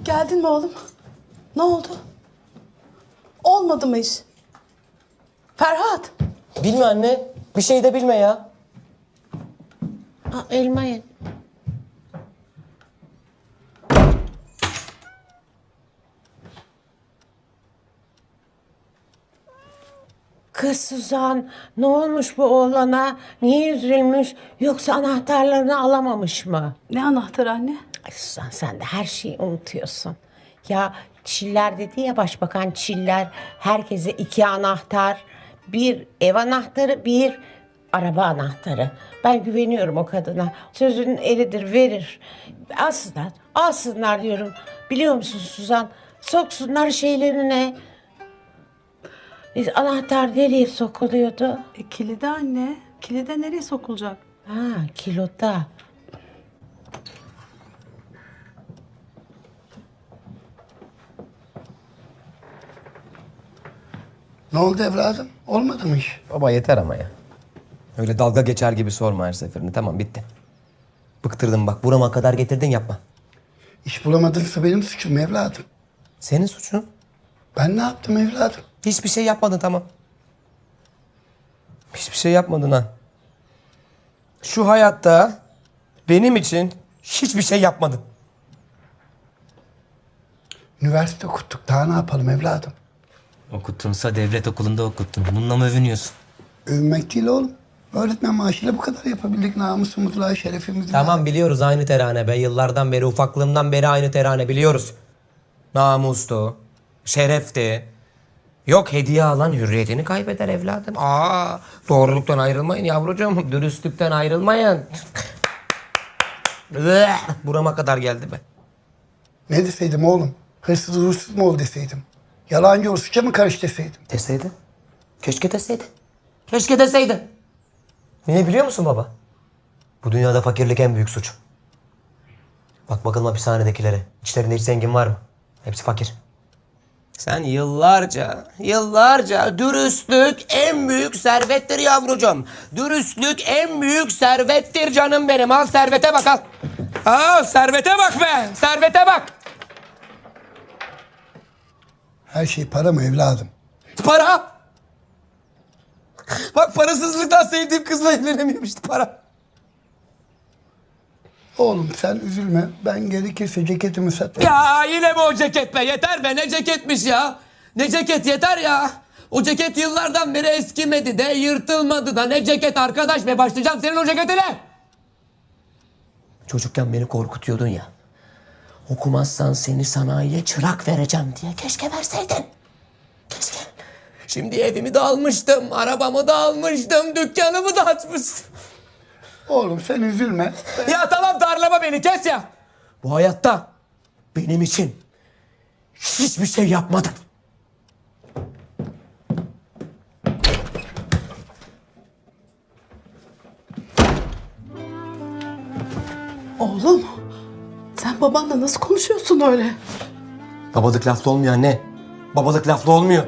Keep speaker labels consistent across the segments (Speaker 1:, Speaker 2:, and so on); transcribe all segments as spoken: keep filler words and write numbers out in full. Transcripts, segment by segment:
Speaker 1: Geldin mi oğlum? Ne oldu? Olmadı mı iş? Ferhat.
Speaker 2: Bilme anne. Bir şey de bilme ya.
Speaker 3: Aa, elma ye. Kız Suzan, ne olmuş bu oğlana? Niye üzülmüş? Yoksa anahtarlarını alamamış mı?
Speaker 1: Ne anahtarı anne?
Speaker 3: Ay Suzan, sen de her şeyi unutuyorsun. Ya Çiller dedi ya başbakan, Çiller herkese iki anahtar. Bir ev anahtarı, bir araba anahtarı. Ben güveniyorum o kadına. Sözünün eridir, verir. Alsınlar, alsınlar diyorum. Biliyor musun Suzan? Soksunlar şeylerine. Biz anahtar nereye sokuluyordu?
Speaker 1: E, kilide anne. Kilide nereye sokulacak?
Speaker 3: Ha, kiloda.
Speaker 4: Ne oldu evladım? Olmadı mı iş?
Speaker 2: Baba yeter ama ya. Öyle dalga geçer gibi sorma her seferinde. Tamam bitti. Bıktırdın bak. Burama kadar getirdin yapma.
Speaker 4: İş bulamadınsa benim suçum evladım.
Speaker 2: Senin suçun.
Speaker 4: Ben ne yaptım evladım?
Speaker 2: Hiçbir şey yapmadın tamam. Hiçbir şey yapmadın ha. Şu hayatta benim için hiçbir şey yapmadın.
Speaker 4: Üniversite okuttuk. Daha ne yapalım evladım?
Speaker 2: Okuttunsa devlet okulunda okuttun. Bununla mı övünüyorsun?
Speaker 4: Övünmek değil oğlum. Öğretmen maaşıyla bu kadar yapabildik. Namusumuzla, şerefimizle.
Speaker 2: Tamam biliyoruz aynı terane be. Yıllardan beri, ufaklığımdan beri aynı terane biliyoruz. Namustu, şerefti. Yok hediye alan hürriyetini kaybeder evladım. Aa, doğruluktan ayrılmayın yavrucuğum. Dürüstlükten ayrılmayın. Burama kadar geldi be.
Speaker 4: Ne deseydim oğlum? Hırsız uğursuz mu ol deseydim? Yalancı uğursuzca mı karış deseydim?
Speaker 2: Deseydi. Keşke deseydi. Keşke deseydi. Niye biliyor musun baba? Bu dünyada fakirlik en büyük suç. Bak bakalım hapishanedekilere. İçlerinde hiç zengin var mı? Hepsi fakir. Sen yıllarca, yıllarca dürüstlük en büyük servettir yavrucuğum. Dürüstlük en büyük servettir canım benim. Al servete bak al. Al servete bak be. Servete bak.
Speaker 4: Her şey para mı evladım?
Speaker 2: Para. Bak parasızlıktan sevdiğim kızla evlenemiyorum işte para.
Speaker 4: Oğlum sen üzülme. Ben gerekirse ceketimi satarım.
Speaker 2: Ya yine mi o ceket be? Yeter be ne ceketmiş ya. Ne ceket yeter ya. O ceket yıllardan beri eskimedi de yırtılmadı da ne ceket arkadaş be. Başlayacağım senin o ceketine. Çocukken beni korkutuyordun ya. Okumazsan seni sanayiye çırak vereceğim diye. Keşke verseydin. Keşke. Şimdi evimi de almıştım, arabamı da almıştım, dükkanımı da açmıştım.
Speaker 4: Oğlum sen üzülme. Ben...
Speaker 2: Ya tamam darlama beni kes ya. Bu hayatta benim için hiçbir şey yapmadın.
Speaker 1: Oğlum. Sen babanla nasıl konuşuyorsun öyle?
Speaker 2: Babalık laflı olmuyor anne. Babalık laflı olmuyor.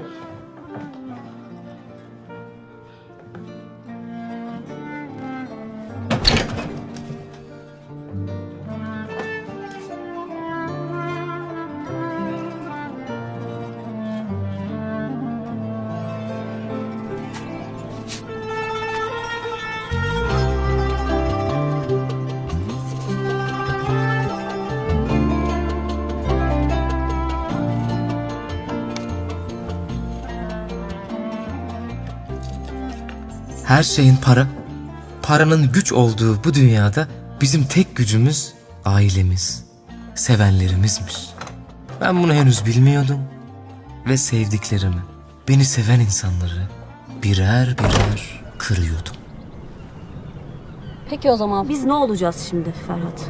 Speaker 5: Her şeyin para, paranın güç olduğu bu dünyada bizim tek gücümüz ailemiz, sevenlerimizmiş. Ben bunu henüz bilmiyordum ve sevdiklerimi, beni seven insanları birer birer kırıyordum.
Speaker 6: Peki o zaman biz ne olacağız şimdi Ferhat?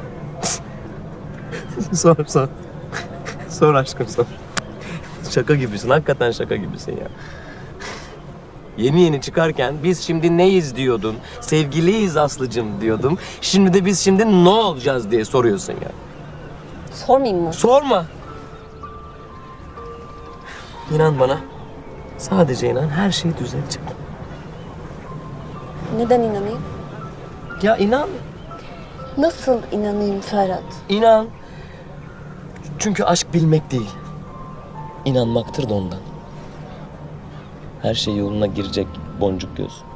Speaker 2: Sor sor. Sor aşkım sor. Şaka gibisin hakikaten şaka gibisin ya. Yeni yeni çıkarken biz şimdi neyiz diyordun. Sevgiliyiz Aslı'cım diyordum. Şimdi de biz şimdi ne olacağız diye soruyorsun ya.
Speaker 6: Sormayayım mı?
Speaker 2: Sorma. İnan bana. Sadece inan her şey düzelecek.
Speaker 6: Neden inanayım?
Speaker 2: Ya inan.
Speaker 6: Nasıl inanayım Ferhat?
Speaker 2: İnan.
Speaker 7: Çünkü aşk bilmek değil, inanmaktır da ondan. Her şey yoluna girecek boncuk göz.